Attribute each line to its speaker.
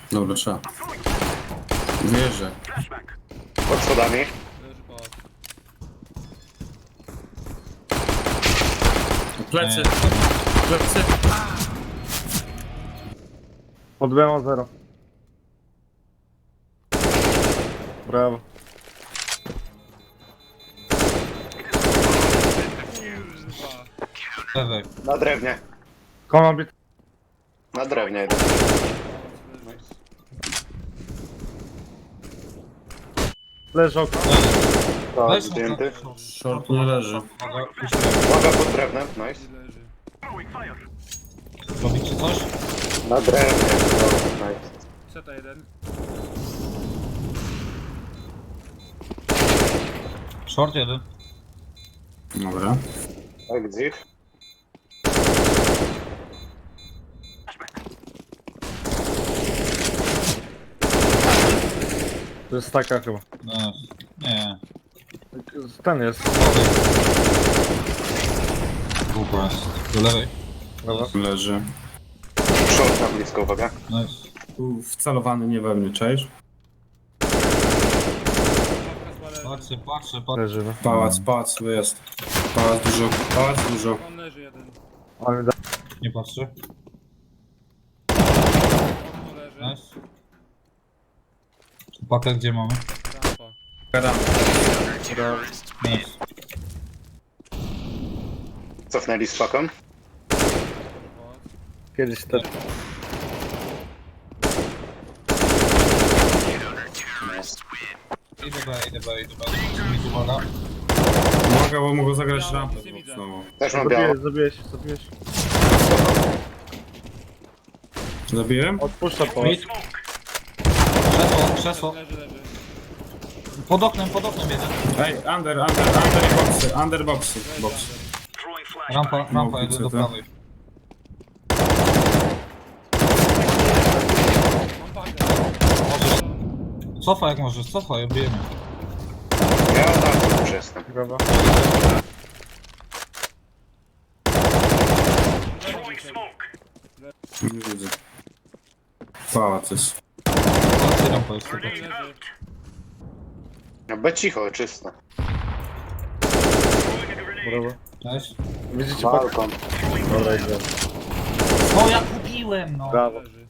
Speaker 1: Dobra, trzeba. Wierzę.
Speaker 2: Pod schodami.
Speaker 3: Leży pałac.
Speaker 1: Plecy. Plecy.
Speaker 4: Odbyłem o 0. Brawo.
Speaker 5: Lewej.
Speaker 2: Na drewnie.
Speaker 4: Koło bit.
Speaker 2: Na drewnie idę.
Speaker 4: Leży okno.
Speaker 2: Tak,
Speaker 5: Weź
Speaker 2: zdjęty.
Speaker 1: Short nie leży.
Speaker 2: Uwaga pod drewnem, nice.
Speaker 3: Leży.
Speaker 5: Robicie coś?
Speaker 2: Na drewnie. No, nice.
Speaker 3: Seta jeden.
Speaker 5: Short jeden.
Speaker 1: Dobra.
Speaker 2: Exit.
Speaker 4: To jest taka chyba.
Speaker 5: No, nie.
Speaker 4: Ten jest.
Speaker 5: Głupia. Do lewej.
Speaker 4: Dobra.
Speaker 1: Leży.
Speaker 2: Short na blisko, uwaga.
Speaker 5: Nice.
Speaker 1: Tu wcelowany nie we mnie, cześć.
Speaker 5: Patrzę.
Speaker 4: Leży, no.
Speaker 1: Pałac jest. Pałac dużo.
Speaker 3: On leży jeden.
Speaker 4: Ale da.
Speaker 5: Nie patrzę.
Speaker 3: Okno leży.
Speaker 5: Nice. Pakę gdzie mamy?
Speaker 3: Rampa.
Speaker 1: Gadam.
Speaker 5: Nice.
Speaker 2: Cofnęli z paką.
Speaker 3: Pałac.
Speaker 4: Kiedyś też.
Speaker 5: Idę B. Mi uwaga.
Speaker 1: Mogę zagrać rampę znowu.
Speaker 2: Też mam biało.
Speaker 4: Zabiłeś.
Speaker 1: Zabiłem?
Speaker 4: Odpuszcza po.
Speaker 5: Mid. Krzesło.
Speaker 3: Leży.
Speaker 5: Pod oknem jeden.
Speaker 1: Ej, under boxy.
Speaker 5: Rampa,
Speaker 1: No,
Speaker 5: jedę do
Speaker 1: widzę,
Speaker 5: prawej.
Speaker 3: Mam pakę.
Speaker 5: Cofaj jak możesz, bijemy.
Speaker 2: Ja na już jestem.
Speaker 4: Brawo.
Speaker 1: Nie widzę. Pałac jest.
Speaker 5: Patrzcie rampa jest tylko.
Speaker 3: Leży.
Speaker 2: No, be cicho, czysto.
Speaker 4: Brawo.
Speaker 5: Nice.
Speaker 4: Widzicie pakę?
Speaker 2: Balkon.
Speaker 4: Dobra, idę.
Speaker 5: No ja kupiłem no.
Speaker 4: Brawo.
Speaker 3: Leży.